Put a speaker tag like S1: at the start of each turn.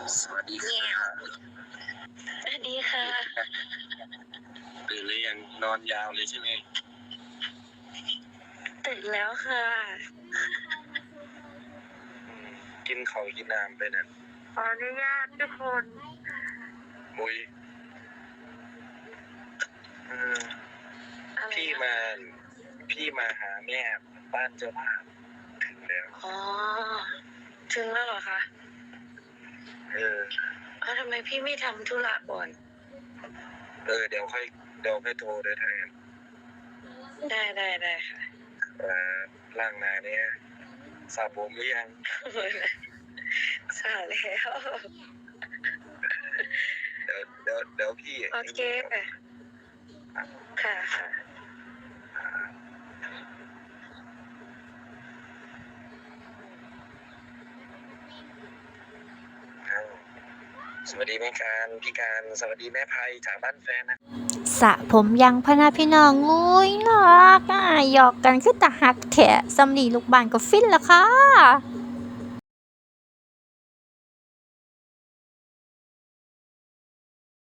S1: สวัสดีค่ะ
S2: สวัสดีค่ะ
S1: ตื่นหรือยังนอนยาวเลยใช่ไหม
S2: ตื่นแล้วค่ะ
S1: กินข้าวกินน้ำไปนั่น
S2: ขออนุญาตทุกคน
S1: มุย
S2: อะไร
S1: พี่มาหาแม่บ้านเจ้าภาพถึงแล้ว
S2: อ๋อถึงแล้วเหรอคะทำไมพี่ไม่ทำธุระก่อน
S1: เดี๋ยวค่อยโทรได้แทน
S2: ได้ค่ะ
S1: ล่างนาเนี่ยสระผมหรือยัง
S2: สาแล้ว
S1: เดี๋ยวพี่
S2: โอเคค่ะ
S1: สวัสดีแม่การพี่การสวัสดีแม่ไพจากบ้านแฟนนะ
S3: สระผมยังพะนาพี่น้องงุ้ยน่ารักอ่ะหยอกกันคือตาหักแถะสำลีลูกบ้านก็ฟินละค่ะ